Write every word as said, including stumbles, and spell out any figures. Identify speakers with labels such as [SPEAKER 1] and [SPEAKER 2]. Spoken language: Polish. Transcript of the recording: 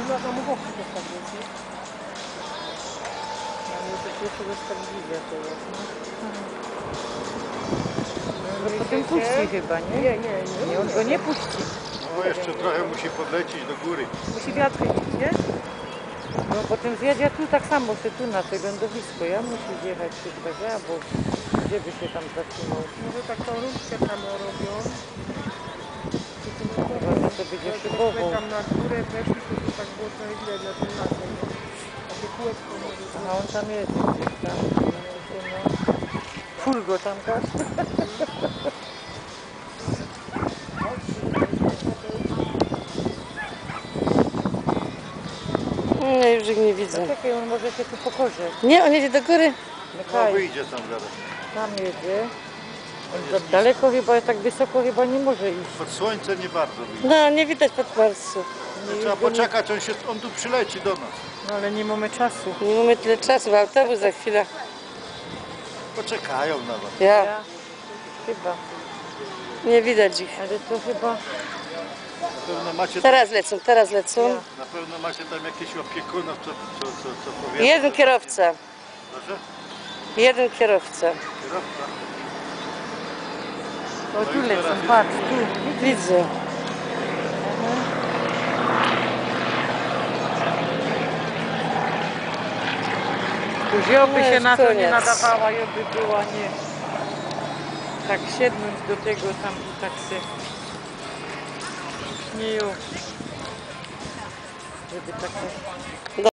[SPEAKER 1] na samochodach też tak jest, nie?
[SPEAKER 2] Ale to pierwszy raz tak widzę teraz, no. No potem puści chyba, nie?
[SPEAKER 1] Nie, nie, nie.
[SPEAKER 2] Nie, on go nie puści.
[SPEAKER 3] No jeszcze trochę musi podlecieć do góry.
[SPEAKER 1] Musi wiatr chycić, nie?
[SPEAKER 2] No potem zjedzie tu tak samo, się tu na to lądowisko. Ja muszę zjechać chyba, że albo gdzie by się tam zatrzymał.
[SPEAKER 1] Może tak tą różkę tam robią.
[SPEAKER 2] Chyba, że to będzie szybowo.
[SPEAKER 1] Tam na górę weszli, to by tak było trochę widać na tym lasem, nie? Takie kółeczko może być.
[SPEAKER 2] A on tam jest gdzieś tam. No. Furgo tam gasz.
[SPEAKER 4] Nie, już ich nie widzę.
[SPEAKER 2] Czekaj, on może się tu pokorze.
[SPEAKER 4] Nie, on jedzie do góry.
[SPEAKER 3] No wyjdzie tam zaraz.
[SPEAKER 2] Tam jedzie. On za daleko chyba, tak wysoko chyba nie może iść.
[SPEAKER 3] Pod słońce nie bardzo wyjdzie.
[SPEAKER 4] No, nie widać podparsu.
[SPEAKER 3] No, trzeba poczekać, on, się, on tu przyleci do nas.
[SPEAKER 2] No ale nie mamy czasu.
[SPEAKER 4] Nie mamy tyle czasu, autobus za chwilę.
[SPEAKER 3] Poczekają na was.
[SPEAKER 4] Ja,
[SPEAKER 2] Ja chyba.
[SPEAKER 4] nie widać ich.
[SPEAKER 2] Ale to chyba...
[SPEAKER 3] Na pewno macie,
[SPEAKER 4] Teraz lecą, teraz lecą.
[SPEAKER 3] na pewno macie tam jakieś opiekunów, co, co, co, co powiedzą.
[SPEAKER 4] Jeden kierowca.
[SPEAKER 3] Proszę?
[SPEAKER 4] Jeden kierowca.
[SPEAKER 3] Kierowca.
[SPEAKER 2] O tu
[SPEAKER 3] już
[SPEAKER 2] lecą,
[SPEAKER 3] teraz
[SPEAKER 2] patrz, tu.
[SPEAKER 4] Widzę.
[SPEAKER 2] Tu wziąłby
[SPEAKER 4] No
[SPEAKER 2] się
[SPEAKER 4] już
[SPEAKER 2] na to, nie
[SPEAKER 4] koniec.
[SPEAKER 2] nadawała, jakby była nie... Tak siednąć do tego tam i tak się... Śnieją. Żeby tak...